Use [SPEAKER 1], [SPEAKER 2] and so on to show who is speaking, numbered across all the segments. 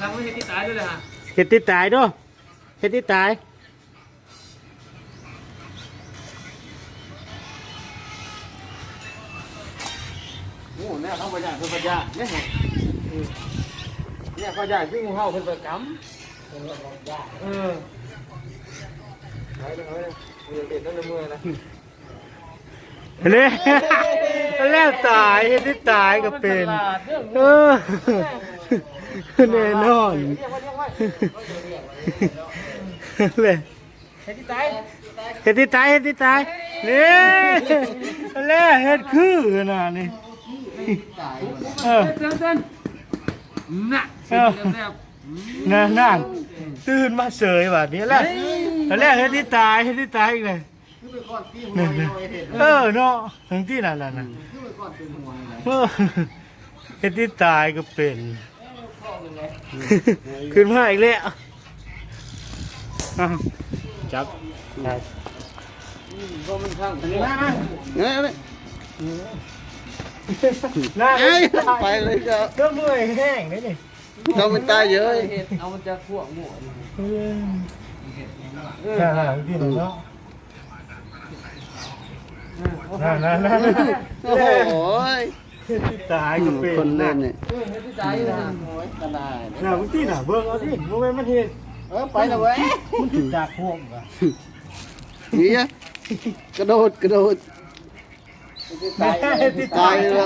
[SPEAKER 1] ทางไม่เห็นที่ตายด้วยเลยฮะ
[SPEAKER 2] เห็ดที่ตายด้วยเห็ดที่ตายโอ้เนี่ยเขาประหยัดเพิ่นประหยัดเนี่ยเนี่ยประหยัดที่งูเห่าเพิ่นประกำไปเลยเด็ดตั้งแต่เมื่อนะเนี่ยแล้วตายเห็ดที่ตายก็เป็นแน่นอนเลยเห็ดที่ตายเห็ดที่ตายเห็ดที่ตายนี่แล้วเห็ดคือน่ะนี่
[SPEAKER 1] เต้นน่ะ
[SPEAKER 2] นั่นตื่นมาเฉยแบบนี้แหละแล้วเห็ดที่ตายเห็ดที่ตายอีกเลยเนาะทั้งที่นั่นน่ะเห็ดที่ตายก็เป็นขึ้นมาอีกแล้วจับได้ก็มันข้าง
[SPEAKER 3] ไปเลยก็
[SPEAKER 2] ก็เมื่อยแห้งนี่นี่
[SPEAKER 3] เขามันตายเยอะ
[SPEAKER 1] เอามันจะขั้วหมู
[SPEAKER 2] ที่ไหนเนาะนั่น
[SPEAKER 3] โอ้โห
[SPEAKER 2] ตายก็เป็น
[SPEAKER 3] คนเล่นเนี่ย
[SPEAKER 1] ที่ตายนะโอ้ยกระดาษ
[SPEAKER 2] น่ะมึงที่น่ะเบิ่งเอาดิมึงมันเห็น
[SPEAKER 1] ไปนะเว้ย
[SPEAKER 2] มันถึงจากพวกอ่ะ
[SPEAKER 3] นี่อะกระโดดตายเลย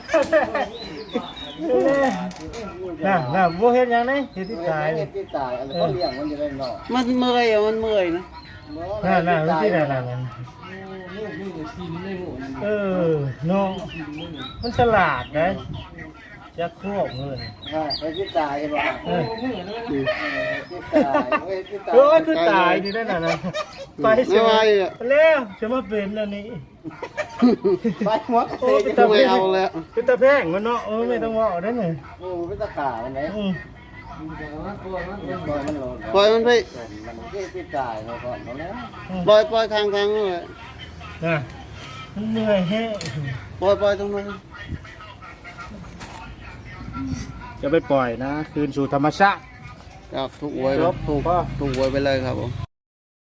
[SPEAKER 2] น่ะบ่เห็นยังไงเห็นที่ตาย
[SPEAKER 1] ที่ตายอะไรก็เลี้ยงมันจะได้หนอ
[SPEAKER 3] มันเมื่อยนะ
[SPEAKER 2] น่ะที่นั่นน้องมันฉลาดนะจะควบเลย
[SPEAKER 1] ไปที่ตายใช่ป่ะ
[SPEAKER 2] คือตายนี่นั่นน่ะไปเสียแล้วจะมาเป็นอันนี้
[SPEAKER 1] ไปหัว
[SPEAKER 3] ไม่เอาแล้ว
[SPEAKER 2] คือตะแพงมันเนาะไม่ต้องว่าได้ไง
[SPEAKER 1] โอ้เป็นตะขามันไหน
[SPEAKER 3] ปล่อยมันไป
[SPEAKER 1] มันที่ตายเราก่อนแล้ว
[SPEAKER 3] ปล่อยทางเลย
[SPEAKER 2] น่ะมันเหนื่อยแห้
[SPEAKER 3] ปล่อยตรงนั้น
[SPEAKER 2] จะไปปล่อยนะคืนสู่ธรรมชาติ
[SPEAKER 3] จากถูกหวยถูกหวยไปเลยครับผม